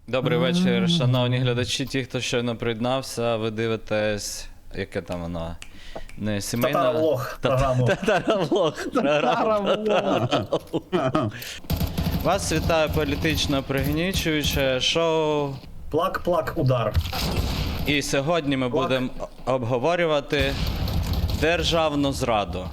Добрий вечір, шановні глядачі, ті, хто щойно приєднався, ви дивитесь, яке там воно? Не сімейна... Татаровлог програму. Татаровлог програму. Вас вітає політично пригнічуюче шоу. Плак-плак удар. І сьогодні ми будемо обговорювати державну зраду.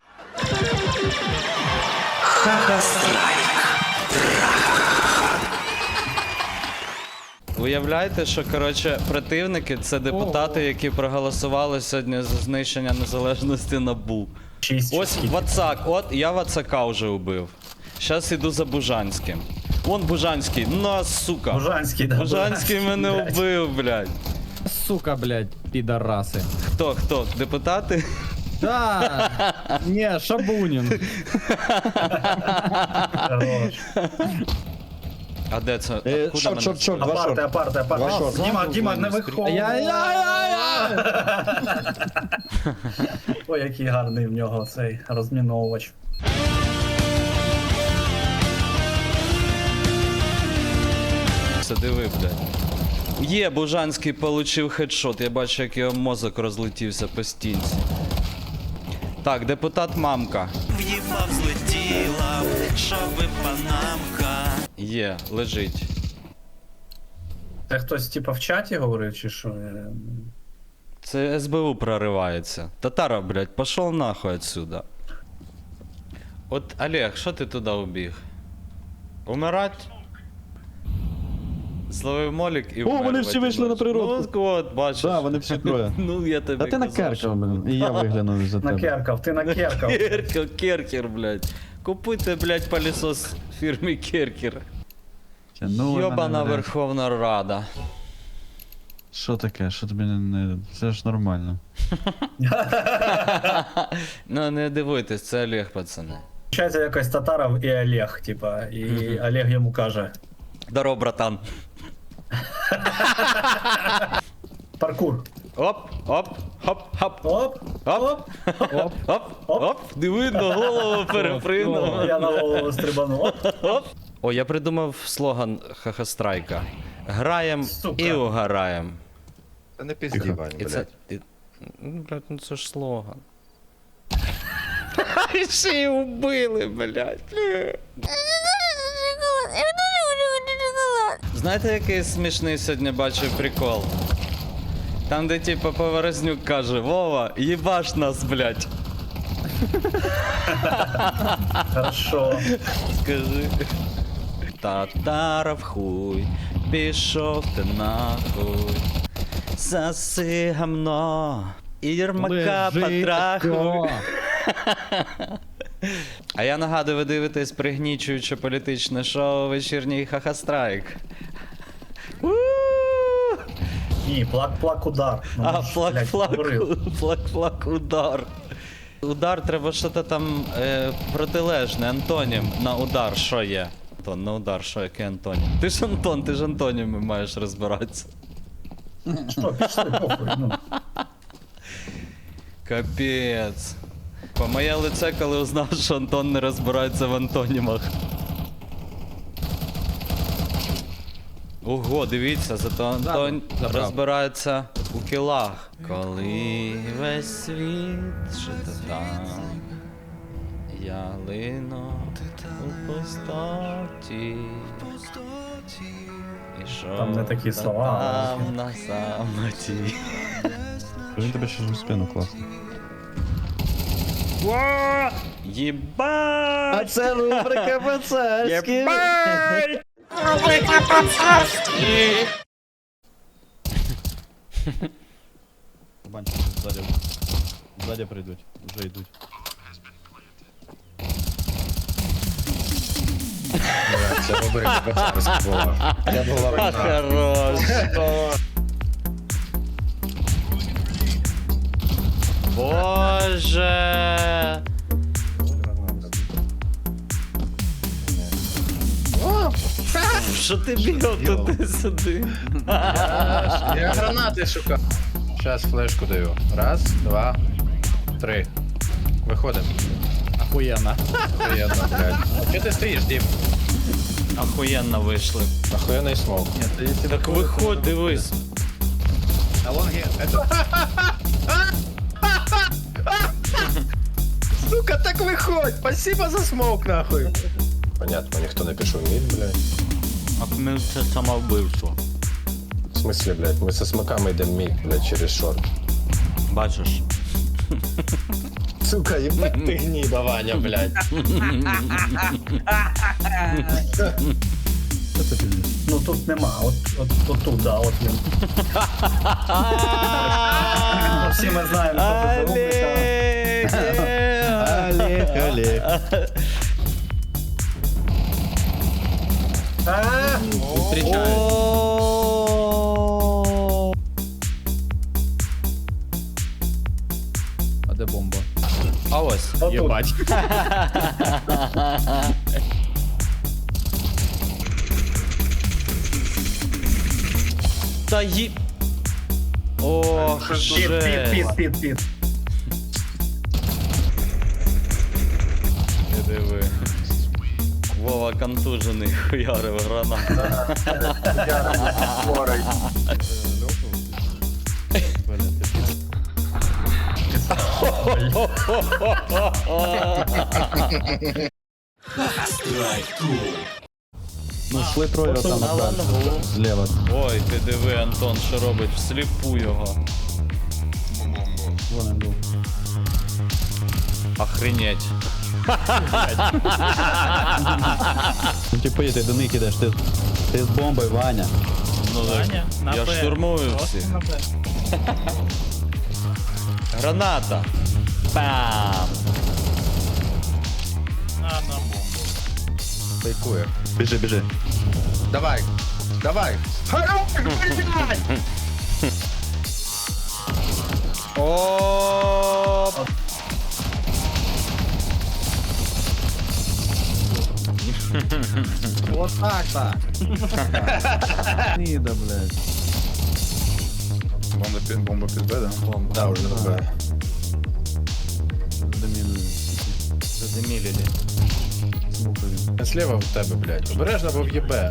Уявляєте, що, коротше, противники — це депутати, які проголосували сьогодні за знищення незалежності НАБУ. Ось Вацак, от я Вацака вже убив. Щас іду за Бужанським. Вон Бужанський, сука. Бужанський, да. Бужанський мене блядь. убив, блядь. Сука, блядь, підараси. Хто? Депутати? Да! Не, Шабунін. Хорош. А де це? Шорт. Апарти. Діма, не виходь. Ой, який гарний в нього цей розміновувач. Все, диви, блядь. Є, Бужанський получив хедшот. Я бачу, як його мозок розлетівся по стінці. Так, депутат Мамка. В'їбав, злетіла, щоби панамка. Є, лежить. Це хтось типа в чаті говорив, чи що? Це СБУ проривається. Татара, блядь, пошел нахуй отсюда. От, Олег, що ти туди убіг? Умирать? Зловив молік і вмер. вони всі вийшли на природу. Ну, от, бачиш. Да, вони всі троє. Ну, я тобі Та ти казав, накеркав, блин, і я виглянув за тебе. Накеркав, ти накеркав. Керкер, блядь. Купуйте, блядь, пылесос фірми Керкер. Ну, Йобана Верховна Рада. Що таке? Що тобі не... Це ж нормально. Ну, не дивуйтесь, це Олег, пацани. Получається якось Татаров і Олег, типа, і Олег йому каже. Здорово, братан. Паркур. Оп, хоп. Оп, Оп. Диви, на голову перепринув. я на голову стрибанув. Оп. О, я придумав слоган Хахастрайка. Граєм Сука. і угораєм. Та не пізді, Вань, І це... блядь. Блядь, ну це ж слоган. І ще й убили, блядь. Знаєте, який смішний сьогодні бачив прикол? Там, де типа Поворознюк каже: Вова, їбаш нас, блядь. Хорошо. Скажи. Татаров хуй, пішов ти нахуй. Заси гамно, і Єрмака потрахуй. А я нагадую, ви дивитесь пригнічуюче політичне шоу «Вечірній Хахастрайк». Ні, плак-плак удар. Ну, А, ж, блядь, говорив. плак-плак удар. Удар треба що-то там протилежне, антонім на удар, що є? Антон, на удар, що який антонім? Ти ж Антон, ти ж антоніми маєш розбиратися. Що, пішли, похуй, ну. Капець. По моє лице, коли узнав, що Антон не розбирається в антонімах. Ого, дивіться, зато Антон забрав. розбирається у кілах. Коли весь світ жити там, я лину у пустоті. І що Там не такі слова, там на самоті. Він тебе ще ж в спину класно. Єбать! це рубрика Пацарський. Єбать! Банчики ззаді. Ззаді прийдуть, вже йдуть. Це рубрика Бацарська була. Я була А, вина. хорош. Боже. Що ти бігав туди-сюди? Я гранати шукав. Зараз флешку даю. Раз, два, три. Виходимо. Охуєнно. Приємно, блядь. Чого ти стоїш, Дім? Охуєнно вийшли. Охуєнний смок. Так виходь, дивись. Сука, так виходь! Спасибо за смок, нахуй. Понятно, ніхто не пішов мід, блядь. А ми це самовбивство. В смислі, блядь, ми со смоками йдемо мід, блядь, через шорт. Бачиш? Сука, ебать ти гніда, Ваня, блядь. Ну тут нема, от тут, да, от він. Всі ми знаємо, що це за рубрика. Олег, Олег. Встречаю. А де бомба? А ось. Отут. Єбать. Та ї... Ох, Під, жесть. під. Ти диви. Вова контужений хуярив гранат. Ну, шли троє там На лангу. зліва. Ой, ти диви, Антон, що робить, всліпу його. Вон він був. Охренеть. Ну, типу, ти до них ідеш, ти з бомбою, Ваня. Ну, я штурмую всі. Граната. Пам. Фейкує. Біжи, біжи. Давай, давай. О. Вот так-то. Ніда, блядь. Бомба під Б, да? Да, уже на Б. Домінує. Задемілили. Смукові. Слева в тебе, блядь. Обережно, бо в'єбе.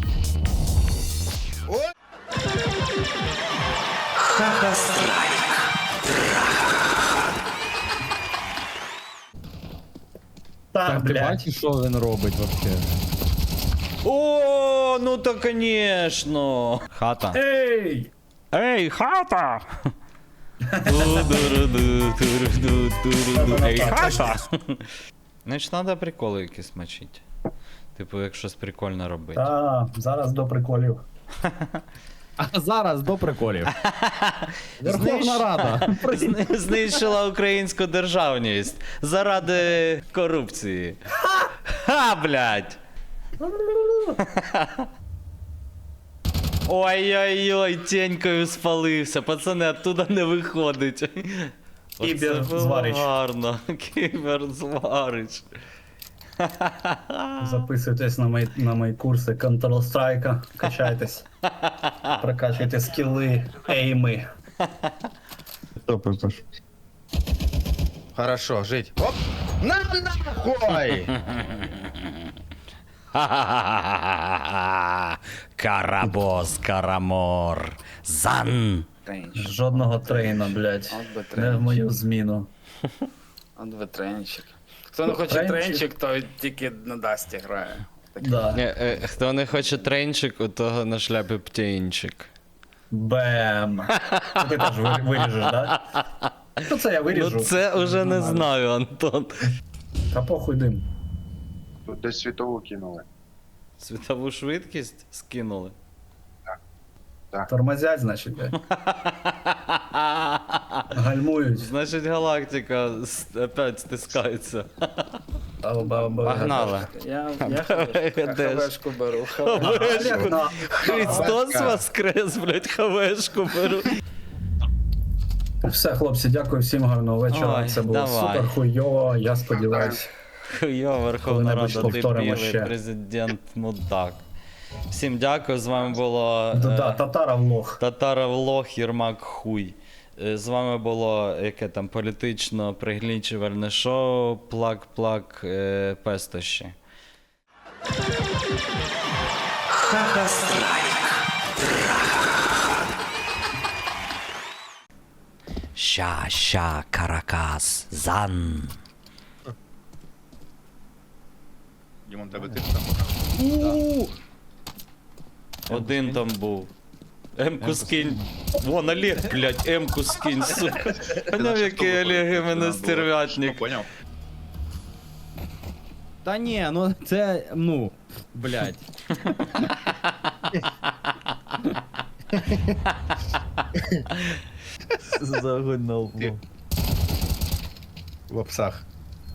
Так, Так, ти блядь. бачиш, що він робить вообще? О, ну то конечно. Хата. Ей! Ей, хата! Ей, хата! Значить, треба приколи якісь мочити. Типу, як щось прикольне робити. Та, зараз до приколів. А зараз до приколів. Верховна Рада. Знищила українську державність заради корупції. Ха, блядь! Ой-ой-ой, тенькою спалився, пацани, оттуда не виходить. Оце Кіберзварич. було гарно. Кіберзварич. Записуйтесь на мої курси Counter-Strike, качайтесь. Прокачуйте скіли, ейми. Топи, Паш. Хорошо, жить. Оп! На нахуй! Карабос, Карамор, Зан. Жодного трейна, блядь. Не в мою зміну. От би тренчик. Хто не хоче Тренчик? тренчик, то тільки на Дасті грає. Да. Хто не хоче тренчик, у того на шляпі птенчик. Бем. Ти теж виріжеш, да? Ну це я виріжу. Ну це уже не знаю, Антон. Та похуй дим. Тут десь світову кинули. Світову швидкість скинули. Тормозять, значить, блядь. Гальмують. Значить, галактика опять стискається. Погнали. Я Де ж? хавешку беру. Христос воскрес, блять, хавешку беру. Все, хлопці, дякую всім, гарного вечора. Ой, Це було давай. супер хуйово, я сподіваюсь. Йо, Верховна Коли-небудь Рада, повторимо дебіли, ще. президент мудак. Всім дякую, з вами було Да, татара влог. Татаров лох, Єрмак хуй. З вами було яке там політично приглічувальне шоу, плак-плак, пестощі. Ща, Каракас, зан. Дімон, тебе тип там. Один там був. М-ку скинь. Вон Олег, блядь, М-ку скинь, сука. Поняв, який Олег іменно стервятник. Поняв? Та ні, ну це, ну, блядь. Загонал. В опсах.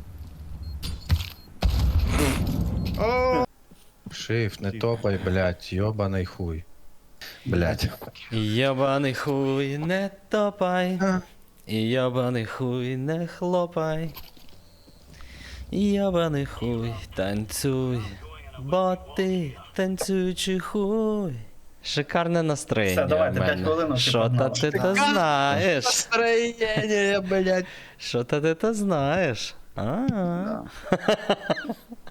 Шифт, не топай, блядь, йобаний хуй. Блядь. Ябаний хуй, не топай. Ябаний хуй, не хлопай. Ябаний хуй, танцюй. Бо ти танцюючий хуй. Шикарне настроєння. Все, давайте, в 5 мене. хвилин, всі Що та погнали. ти то знаєш? Настроєння, блядь. Що та ти то знаєш? А.